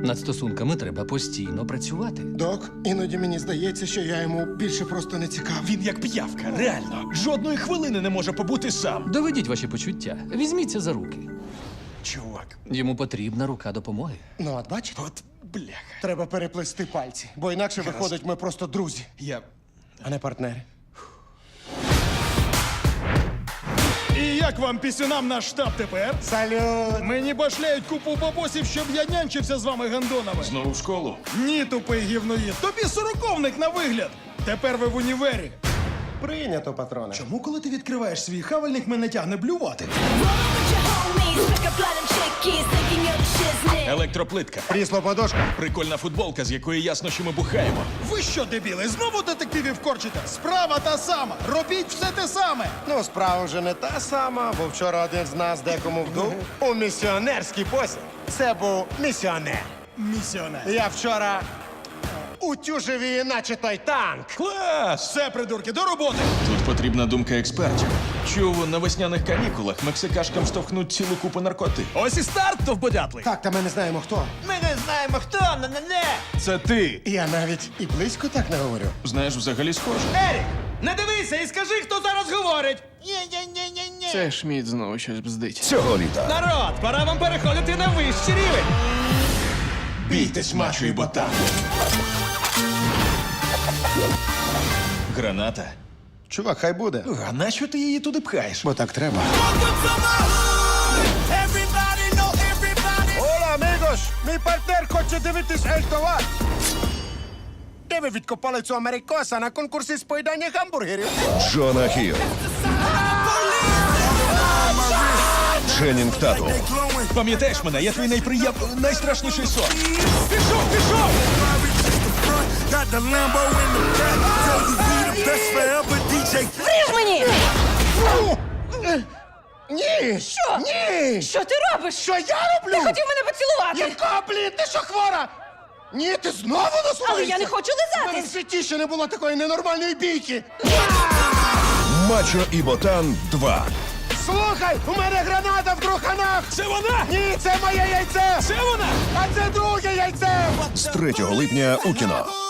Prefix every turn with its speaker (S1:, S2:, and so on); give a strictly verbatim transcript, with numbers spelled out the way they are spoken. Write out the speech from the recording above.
S1: Над стосунками треба постійно працювати.
S2: Док, іноді мені здається, що я йому більше просто не цікавий.
S3: Він як п'явка, реально. Жодної хвилини не може побути сам.
S1: Доведіть ваші почуття. Візьміться за руки.
S3: Чувак,
S1: Йому потрібна рука допомоги.
S2: Ну, от бачите?
S3: от бляха.
S2: Треба переплести пальці, бо інакше виходить, ми просто друзі,
S3: Я.
S2: а не партнери.
S3: І як вам пісюнам наш штаб тепер?
S2: Салют!
S3: Мені башляють купу бабосів, щоб я нянчився з вами гандонами.
S4: Знову в школу?
S3: Ні, тупий гівноїд. Тобі сороковник на вигляд. Тепер ви в універі.
S2: Прийнято, патроне.
S3: Чому, коли ти відкриваєш свій хавальник, мене тягне блювати?
S4: Електроплитка.
S2: Крісло подошка.
S4: Прикольна футболка, з якої ясно, що ми бухаємо.
S3: Ви що, дебіли, знову детективів корчите? Справа та сама. Робіть все те саме.
S2: Ну, справа вже не та сама, бо вчора один з нас декому вдув у місіонерський посіб. Це був місіонер.
S3: Місіонер.
S2: Я вчора утюжив її, наче той танк.
S4: Клас!
S3: Все, придурки, до роботи.
S4: Тут потрібна думка експертів. Чув, на весняних канікулах мексикашкам штовхнуть цілу купу наркоти.
S3: Ось і старт, товбодятлий.
S2: Так, та ми не знаємо хто.
S3: Ми не знаємо, хто, не-не-не.
S4: Це ти!
S2: Я навіть і близько так не говорю.
S4: Знаєш, взагалі схоже.
S3: Ерік, не дивися і скажи, хто зараз говорить. Ні-ні-ні-ні-ні.
S5: Це Шміт знову щось бздить.
S6: Цього літа
S3: Народ, пора вам переходити на вищий рівень.
S4: Бійтесь, мачо і ботан. Граната.
S2: Чувак, хай буде.
S4: А нащо ти її туди пхаєш?
S2: Бо так треба. Ола, амігос! Мій партнер хоче дивитись Ель-Товар. Де ви відкопали цю америкоса на конкурсі з поїдання гамбургерів?
S6: Джона Хіл, Ченнінг Татум,
S4: Пам'ятаєш мене, я твій найприєм... найстрашніший сон. Пішов, пішов!
S7: Got the Lambo in the back, tell you we the best forever, ді джей.
S8: Вріж мені!
S2: Ні!
S8: Що?
S2: Ні!
S8: Що ти робиш?
S2: Що я роблю?
S8: Ти хотів мене поцілувати!
S2: Якого, блін, ти що хвора? Ні, ти знову насуваєшся?
S8: Але я не хочу
S2: У мене в
S8: лизатись!
S2: житті ще не було такої ненормальної бійки.
S6: Мачо і Ботан два.
S2: Слухай, у мене граната в труханах!
S4: Це вона!
S2: Ні, це моє яйце!
S4: Це вона!
S2: А це друге яйце!
S6: З третього липня у кіно.